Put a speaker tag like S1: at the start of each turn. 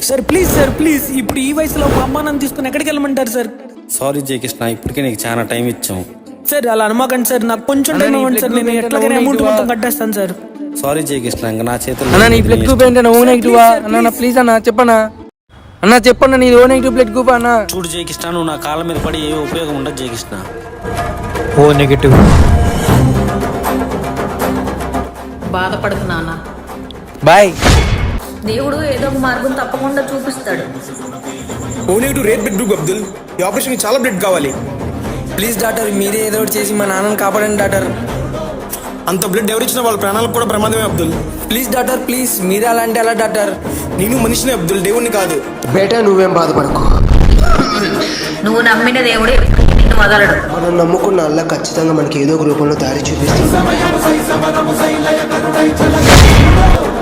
S1: Sir please ఇప్పుడు ఈ వయసులో మా అమ్మ నన్ను తీసుకుని ఎక్కడికి వెళ్ళమంటారు సార్?
S2: సారీ జయ కృష్ణ, ఇప్పటికే నీకు చాలా టైం ఇచ్చాం.
S1: సార్ అలా అనమాకండి సార్, నాకు కొంచెం టైం ఇవ్వండి సార్, నేను ఎట్లాగైనా అమౌంట్ మొత్తం కట్టేస్తాను సార్.
S2: సారీ జయ కృష్ణ, ఇంకా నా చేతుల్లో
S3: అన్న నీ బ్లడ్ గ్రూప్ ఏంటన్నా? ఓ నెగిటివా అన్న? ప్లీజ్ అన్న చెప్పన్నా. అన్న చెప్పన్నా నీది ఓ నెగిటివ్ బ్లడ్ గ్రూప్ అన్న.
S2: చూడు జయ కృష్ణ, నువ్వు నా కాళ్ళ మీద పడి ఏ ఉపయోగం ఉండదు జయ కృష్ణ.
S3: O negative.
S4: బాధపడుతున్నా
S3: బాయ్.
S4: దేవుడు ఏదో ఒక మార్గం తప్పకుండా చూపిస్తాడు.
S5: O negative rare blood group Abdul, ఈ ఆపరేషన్ చాలా బ్లడ్ కావాలి.
S3: ప్లీజ్ డాక్టర్, మీరే ఏదో ఒకటి చేసి మా నాన్నని కాపాడండి డాక్టర్.
S5: అంత బ్లడ్ ఎవరిచ్చినా వాళ్ళ ప్రాణాలకు కూడా ప్రమాదమే అబ్దుల్.
S3: ప్లీజ్ డాక్టర్ ప్లీజ్, మీరే అలా అంటే ఎలా డాక్టర్?
S5: నేను మనిషిని అబ్దుల్, దేవుణ్ణి కాదు.
S6: బేటా నువ్వేం బాధపడకు,
S4: నువ్వు నమ్మిన దేవుడే నిన్ను వదలడు.
S6: మనం నమ్ముకున్న అల్లా ఖచ్చితంగా మనకి ఏదో ఒక రూపంలో దారి చూపిస్తుంది.